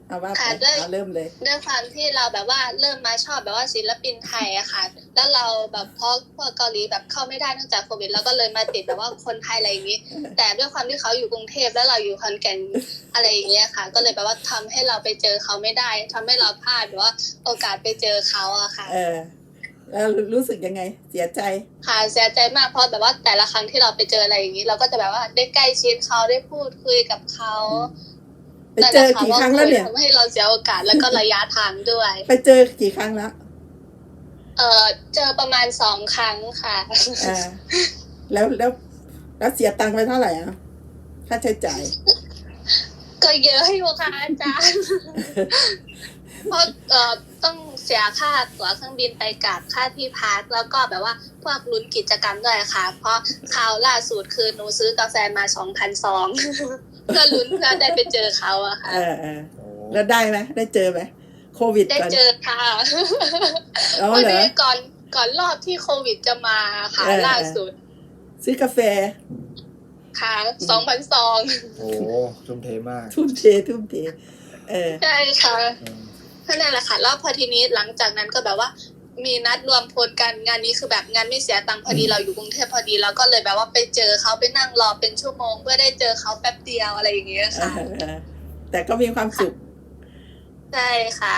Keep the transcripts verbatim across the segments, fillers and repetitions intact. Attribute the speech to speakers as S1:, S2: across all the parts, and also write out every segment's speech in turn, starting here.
S1: เอาว่าไป
S2: ค่ะด้วย
S1: เอาเริ่มเลย
S2: ด้วยความที่เราแบบว่าเริ่มมาชอบแบบว่าศิลปินไทยอะค่ะแล้วเราแบบเพราะพวกเกาหลีแบบเข้าไม่ได้เนื่องจากโควิดเราก็เลยมาติดแบบว่าคนไทยอะไรอย่างนี้แต่ด้วยความที่เขาอยู่กรุงเทพแล้วเราอยู่ขอนแก่นอะไรอย่างเงี้ยค่ะก็เลยแบบว่าทำให้เราไปเจอเขาไม่ได้ทำให้เราพลาดแบบว่าโอกาสไปเจอเขาอะค่ะ
S1: เออแล้วรู้สึกยังไงเสียใจ
S2: ค่ะเสียใจมากเพราะแบบว่าแต่ละครั้งที่เราไปเจออะไรอย่างนี้เราก็จะแบบว่าได้ใกล้ชิดเขาได้พูดคุยกับเขา
S1: ไปเจอกี่ครั้งแล้วเนี่ย
S2: ทำให้เราเสียโอกาสแล้วก็ระยะทางด้วย
S1: ไปเจอกี่ครั้งแล้ว
S2: เออเจอประมาณสองครั้งค่ะ
S1: อ่าแล้วแล้วแล้วเสียตังค์ไปเท่าไหร่อ่ะค่าใช้จ่าย
S2: ก็เยอะอยู่ค่ะอาจารย์เพราะเอ่อต้องเสียค่าตั๋วเครื่องบินไปกลับค่าที่พักแล้วก็แบบว่าพวกลุ้นกิจกรรมด้วยค่ะเพราะคราวล่าสุดคือหนูซื้อกาแฟมาสองพันสองเพื่อลุ้นเพื่อได้ไปเจอเขาอะค่ะ
S1: เออเออแล้วได้ไหมได้เจอไหมโควิด
S2: ได้เจอค่ะ
S1: อ๋อเหรอ
S2: ก่อนก่อนรอบที่โควิดจะมาค่ะล่าสุด
S1: ซื้อกาแฟ
S2: ค่ะสองพันสอง
S3: โอ้ทุ่มเทมาก
S1: ทุ่มเททุ่มเทเออ
S2: ใช่ค่ะนั่นแหละค่ะแล้วพอทีนี้หลังจากนั้นก็แบบว่ามีนัดรวมพลกันงานนี้คือแบบงานไม่เสียตังค์พอดีเราอยู่กรุงเทพพอดีเราก็เลยแบบว่าไปเจอเขาไปนั่งรอเป็นชั่วโมงเพื่อได้เจอเขาแป๊บเดียวอะไรอย่างเงี้ยค่ะ
S1: แต่ก็มีความสุข
S2: ใช่ค่ะ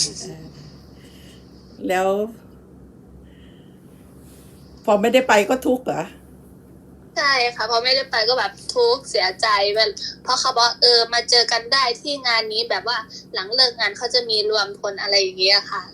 S1: แล้วพอไม่ได้ไปก็ทุกข์เหรอ
S2: ใช่ค่ะพอไม่ได้ไปก็แบบทุกข์เสียใจเพราะเขาบอกเออมาเจอกันได้ที่งานนี้แบบว่าหลังเลิกงานเขาจะมีรวมพลอะไรอย่างเงี้ยค่ะ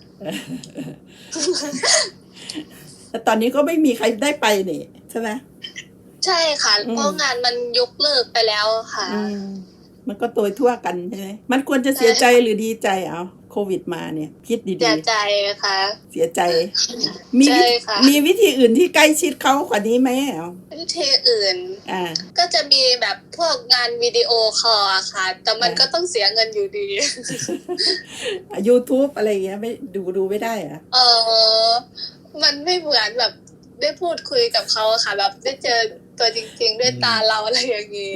S1: แต่ตอนนี้ก็ไม่มีใครได้ไปนี่ใช่ไหม
S2: ใช่ค่ะเพราะงานมันยกเลิกไปแล้วค่ะ
S1: มันก็โดยทั่วกันใช่ไหมมันควรจะเสียใจหรือดีใจเอาโควิดมาเนี่ยคิดดีๆ
S2: เสียใจค่ะ
S1: เสียใจมีมีวิธีอื่นที่ใกล้ชิดเขากว่านี้ไหมอ่ะ
S2: วิธีอื่น
S1: อ่า
S2: ก็จะมีแบบพวกงานวิดีโอคอลค่ะแต่มันก็ต้องเสียเงินอยู่ดี
S1: YouTube อะไรเงี้ยไม่ดูดูไม่ได้อ่ะ
S2: เออมันไม่เหมือนแบบได้พูดคุยกับเขาค่ะแบบได้เจอตัวจริงๆด้วยตาเราอะไรอย่างงี้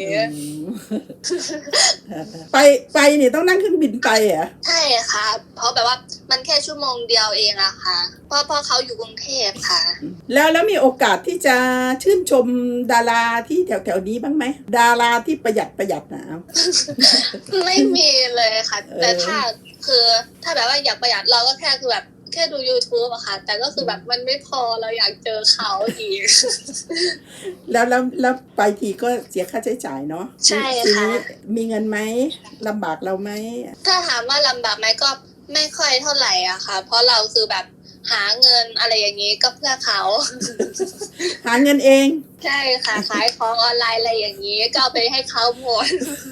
S1: ไปไปเนี่ยต้องนั่งเครื่องบินไปอ่ะ
S2: ใช่ค่ะเพราะแบบว่ามันแค่ชั่วโมงเดียวเองอะค่ะเพราะเพราะเขาอยู่กรุงเทพค่ะ
S1: แล้วแล้วมีโอกาสที่จะชื่นชมดาราที่แถวแถวนี้บ้างไหมดาราที่ประหยัดประหยัดนะ
S2: ไม่มีเลยค่ะแต่ถ้าคือถ้าแบบว่าอยากประหยัดเราก็แค่คือแบบแค่ดู YouTube อะค่ะแต่ก็คือแบบมันไม่พอเราอยากเจอเขาอีก
S1: แล้วแล้วแล้วไปทีก็เสียค่าใช้จ่ายเนาะ
S2: ใช่ค่ะ
S1: มีเงินไหมลำบากเราไหม
S2: ถ้าถามว่าลำบากไหมก็ไม่ค่อยเท่าไหร่อะค่ะเพราะเราคือแบบหาเงินอะไรอย่างนี้ก็เพื่อเขา
S1: หาเงินเอง
S2: ใช่ค่ะขายของออนไลน์อะไรอย่างนี้ก็เอาไปให้เขาหมด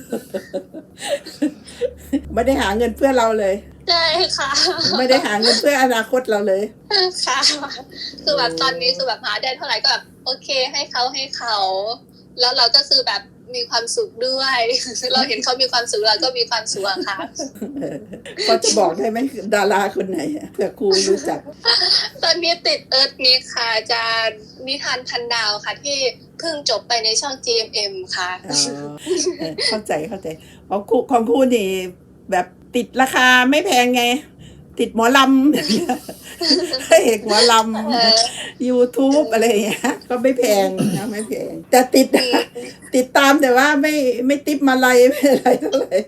S1: ไม่ได้หาเงินเพื่อเราเลย
S2: ใช่ค่ะ
S1: ไม่ได้หาเงินเพื่ออนาคตเราเลย
S2: ค่ะคือแบบตอนนี้คือแบบหาได้เท่าไหร่ก็แบบโอเคให้เขาให้เขาแล้วเราก็คือแบบมีความสุขด้วยเราเห็นเขามีความสุขเราก็มีความสุขค่ะ
S1: พอจะบอกได้ไหมดาราคนไหนเผื่อครูรู้จัก
S2: ตอนนี้ติดเอิร์ธมิกค่ะอาจารย์นิทานพันดาวค่ะที่เพิ่งจบไปในช่อง จี เอ็ม เอ็ม ค่ะ
S1: เข้าใจเข้าใจของครูของครูนี่แบบติดราคาไม่แพงไงติดหมอลำเอกหมอลำ YouTube อะไรอย่างเงี้ยก็ไม่แพงนะไม่แพงแต่ติดติดตามแต่ว่าไม่ไม่ติปมาลัยไม่อะไรเท่าไหร่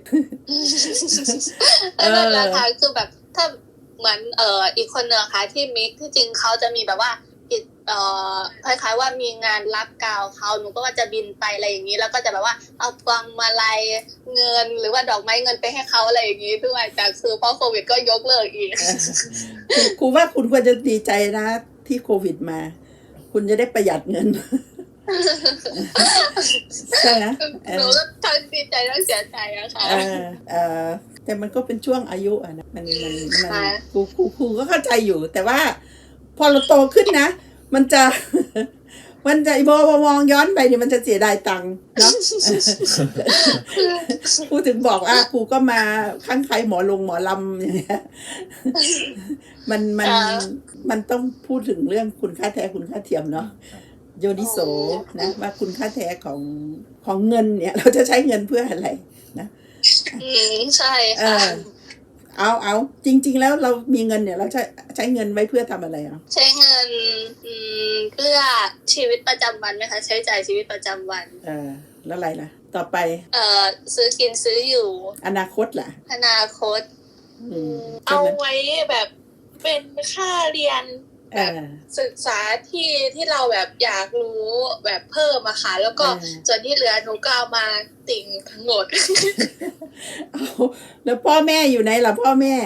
S2: นั่นแหละค่ะคือแบบถ้าเหมือนเอ่ออีกคนนึงค่ะที่มิกที่จริงเขาจะมีแบบว่าเอ่อคล้ายๆว่ามีงานรับกาวเขาหนูก็ว่าจะบินไปอะไรอย่างนี้แล้วก็จะแบบว่าเอาพวงมาลัยเงินหรือว่าดอกไม้เงินไปให้เขาอะไรอย่างนี้ด้วยแต่คือเพราะโควิดก็ยกเลิกอีก
S1: ครูว่าคุณควรจะดีใจนะที่โควิดมาคุณจะได้ประหยัดเงินใช่ไหม
S2: หนูก็ทั้งดีใจทั้งเสียใจอะค่ะ
S1: เออแต่มันก็เป็นช่วงอายุอ่ะนะมันมันมันครูครูครูก็เข้าใจอยู่แต่ว่าพอเราโตขึ้นนะมันจะมันจะมองมองย้อนไปเนี่ยมันจะเสียดายตังค์เนาะครูถึงบอกว่าครูก็มาข้างใครหมอลงหมอลำอย่างเงี้ยมันมันมันต้องพูดถึงเรื่องคุณค่าแท้คุณค่าเทียมเนาะโยนิโสนะว่าคุณค่าแท้ของของเงินเนี่ยเราจะใช้เงินเพื่ออะไรนะ
S2: อืมใช่
S1: เอ
S2: ค่ะ
S1: อ เอาเอาจริง ๆ แล้วเรามีเงินเนี่ย เราใช้ใช้เงินไว้เพื่อทำอะไรอ่ะ
S2: ใช้เงินอืมเพื่อชีวิตประจำวันไหมคะใช้จ่ายชีวิตประจำวัน
S1: เออ แล้วอะไรล่ะ ต่อไป
S2: เอ่อซื้อกินซื้ออยู่
S1: อนาคตล่ะ
S2: อนาคต
S1: อืมใช่
S4: เอา
S1: ไหม
S4: ไว้แบบเป็นค่าเรียน
S1: เอ
S4: แบบ
S1: อ
S4: ศึกษาที่ที่เราแบบอยากรู้แบบเพิ่มอะค่ะแล้วก็
S1: เออ
S4: ส่วนที่เหลือหนูก็เอามาติ่งทั้งหมด
S1: เอาแล้วพ่อแม่อยู่ไหนล่ะพ่อแม่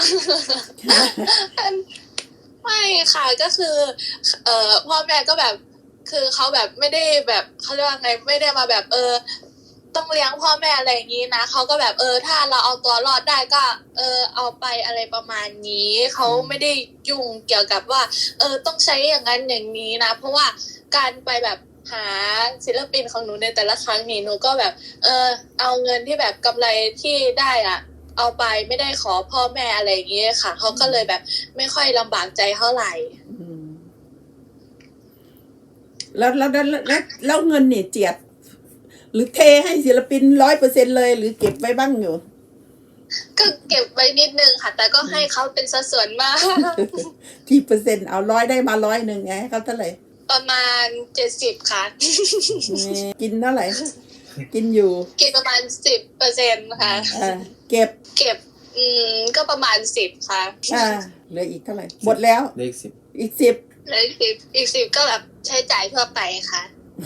S4: ไม่ค่ะก็คือ เอ่อพ่อแม่ก็แบบ คือเขาแบบไม่ได้แบบเขาเรียกว่าไงไม่ได้มาแบบเออ ต้องเลี้ยงพ่อแม่อะไรอย่างนี้นะเขาก็แบบเออถ้าเราเอาตัวรอดได้ก็ เออเอาไปอะไรประมาณนี้เขาไม่ได้ยุ่งเกี่ยวกับว่า เออต้องใช้อย่างนั้นอย่างนี้นะเพราะว่าการไปแบบหาศิลปินของหนูในแต่ละครั้งนี่หนูก็แบบ เออเอาเงินที่แบบกำไรที่ได้อะเอาไปไม่ได้ขอพ่อแม่อะไรอย่างนี้ค่ะเขาก็เลยแบบไม่ค่อยลำบากใจเท่าไหร่
S1: อืมแล้วแล้วแล้วแล้วแล้วเงินเนี่ยเจียด หรือเทให้ศิลปินร้อยเปอร์เซ็นเลย หรือเก็บไว้บ้างอยู่
S2: ก็เก็บไว้นิดนึงค่ะ แต่ก็ให้เขาเป็นสัดส่วนมาก
S1: ที่เปอร์เซ็นต์เอาร้อยได้มาร้อยหนึ่งไงเขาเท่าไหร่
S2: ประมาณเจ็ดสิบค่ะ
S1: นี่กินเท่าไหร่ กินอยู่
S2: กินประมาณสิบเปอร์เซ็นค่ะ
S1: อ่าเก็บ
S2: เก็บ อืมก็ประมาณสิบค่ะ
S1: อ่าเหลืออีกเท่าไหร่ หมดแล้ว
S3: เลขสิบ
S1: อีกสิบ
S2: แล้วอีกสิบอีกสิบก็แบบใช้จ่ายทั่วไปค่ะ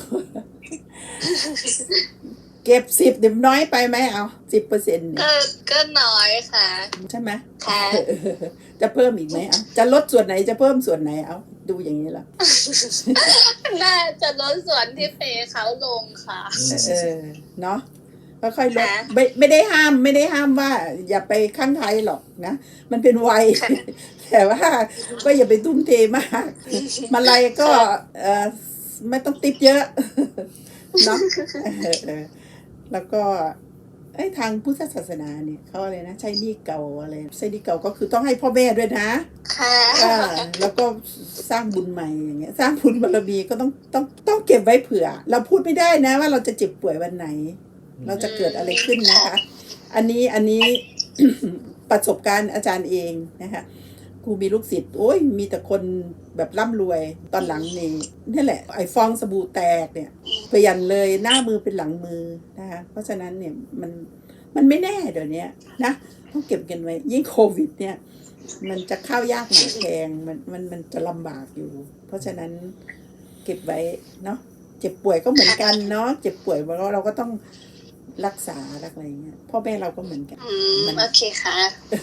S1: เก็บสิบเดี๋ยวน้อยไปไหมเอาสิบเปอร์เซ็นต์
S2: ก็ก็น้อยค่ะ
S1: ใช่ไหม
S2: ค่ะ
S1: จะเพิ่มอีกไหมเอาจะลดส่วนไหนจะเพิ่มส่วนไหนเอาดูอย่างนี้ละ
S2: น่าจะลดส่วนที่เปย์เขาลงค่ะ
S1: เออเนาะค่อยๆลด
S2: ค่ะ
S1: ไม่ไม่ได้ห้ามไม่ได้ห้ามว่า อย่าไปข้างใครหรอกนะ มันเป็นวัย
S2: ค่ะ
S1: แต่ว่าก็อย่าไปทุ่มเทมาก มาลัยก็เออไม่ต้องติปเยอะ เนาะเออเออแล้วก็ไอ้ยทางพุทธศาสนาเนี่ยเขาอะไรนะใช้หนี้เก่าอะไรใช้หนี้เก่าก็คือต้องให้พ่อแม่ด้วยนะ
S2: ค่ะ
S1: อ่าแล้วก็สร้างบุญใหม่อย่างเงี้ย สร้างบุญบารมีก็ต้องต้องต้องเก็บไว้เผื่อ เราพูดไม่ได้นะว่าเราจะเจ็บป่วยวันไหน เราจะเกิดอะไรขึ้นนะคะ อันนี้อันนี้ ประสบการณ์อาจารย์เองนะคะครูมีลูกศิษย์โอ้ยมีแต่คนแบบร่ำรวยตอนหลังนี่นี่แหละไอ้ฟองสบู่แตกเนี่ยเปลี่ยนเลยหน้ามือเป็นหลังมือนะคะเพราะฉะนั้นเนี่ยมันมันไม่แน่เดี๋ยวนี้นะต้องเก็บกันไว้ยิ่งโควิดเนี่ย มันจะข้าวยากหมากแพงมันมันมันจะลำบากอยู่ เพราะฉะนั้นเก็บไว้เนาะเจ็บป่วยก็เหมือนกันเนาะเจ็บป่วยเราเราก็ต้องรักษาอะไรอย่างเงี้ยพ่อแม่เราก็เหมือนกัน
S2: อืมโอเคค่ะ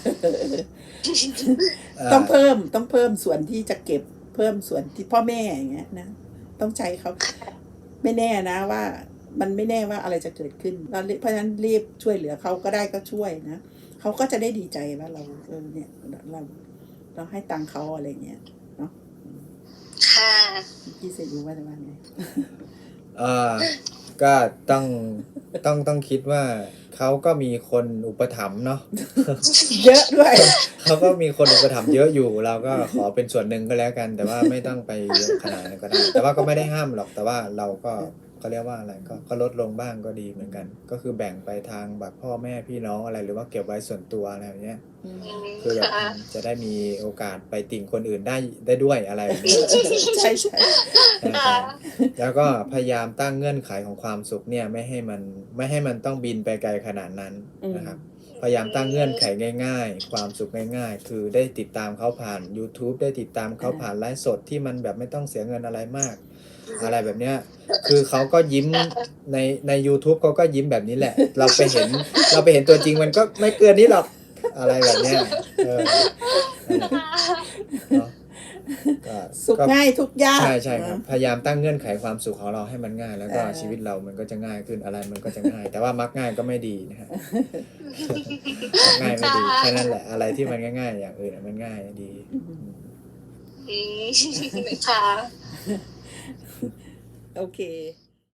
S1: ต้องเพิ่มต้องเพิ่มส่วนที่จะเก็บเพิ่มส่วนที่พ่อแม่อย่างเงี้ยนะต้องใช้เขาไม่แน่นะว่า มันไม่แน่ว่าอะไรจะเกิดขึ้นเราเพราะฉะนั้นรีบช่วยเหลือเขาก็ได้ก็ช่วยนะเขาก็จะได้ดีใจว่าเราเออเนี่ยเราเราให้ตังค์เขาอะไรเงี้ยเนาะ
S2: ค่ะ
S1: พี่เสรู้ว่าจะว่าไง
S3: เอ่อก็ต้องต้องต้องคิดว่าเขาก็มีคนอุปถัมภ์เนาะ
S1: เยอะด้วย
S3: เขาก็มีคนอุปถัมภ์เยอะอยู่ เราก็ขอเป็นส่วนหนึ่งก็แล้วกัน แต่ว่าไม่ต้องไปเยอะขนาดนั้นก็ได้ แต่ว่าก็ไม่ได้ห้ามหรอกแต่ว่าเราก็เขาเรียกว่าอะไรก็ก็ลดลงบ้างก็ดีเหมือนกัน ก็คือแบ่งไปทางแบบพ่อแม่พี่น้องอะไรหรือว่าเก็บไว้ส่วนตัวอะไรอย่างเงี้ย
S2: อืม
S3: คือแบบ
S2: ค่ะ
S3: จะได้มีโอกาสไปติ่งคนอื่นได้ได้ด้วยอะไรแบบนี้
S1: ใช่ใช่
S2: ค่ะ
S3: แล้วก็พยายามตั้งเงื่อนไขของความสุขเนี่ยไม่ให้มันไม่ให้มันต้องบินไปไกลขนาดนั้นนะครับพยายามตั้งเงื่อนไขง่าย ๆ ความสุขง่าย ๆ คือได้ติดตามเขาผ่าน YouTube ได้ติดตามเขาผ่านไลฟ์สดที่มันแบบไม่ต้องเสียเงินอะไรมาก อะไรแบบเนี้ยคือเขาก็ยิ้มในใน YouTube เขาก็ยิ้มแบบนี้แหละ เราไปเห็นเราไปเห็นตัวจริงมันก็ไม่เกินนี้หรอกอะไรแบบเนี้ยเออเนาะก็
S1: สุข
S3: ก็
S1: ง่ายทุกยาก
S3: ใช่ใช่ครับพยายามตั้งเงื่อนไขความสุขของเราให้มันง่าย แล้วก็ชีวิตเรามันก็จะง่ายขึ้นอะไรมันก็จะง่าย แต่ว่ามักง่ายก็ไม่ดีนะฮะ มักง่ายไม่ดีแค่นั้นแหละอะไรที่มันง่ายๆอย่างอื่นมันง่ายดี
S2: อืมค่ะ
S1: โอเค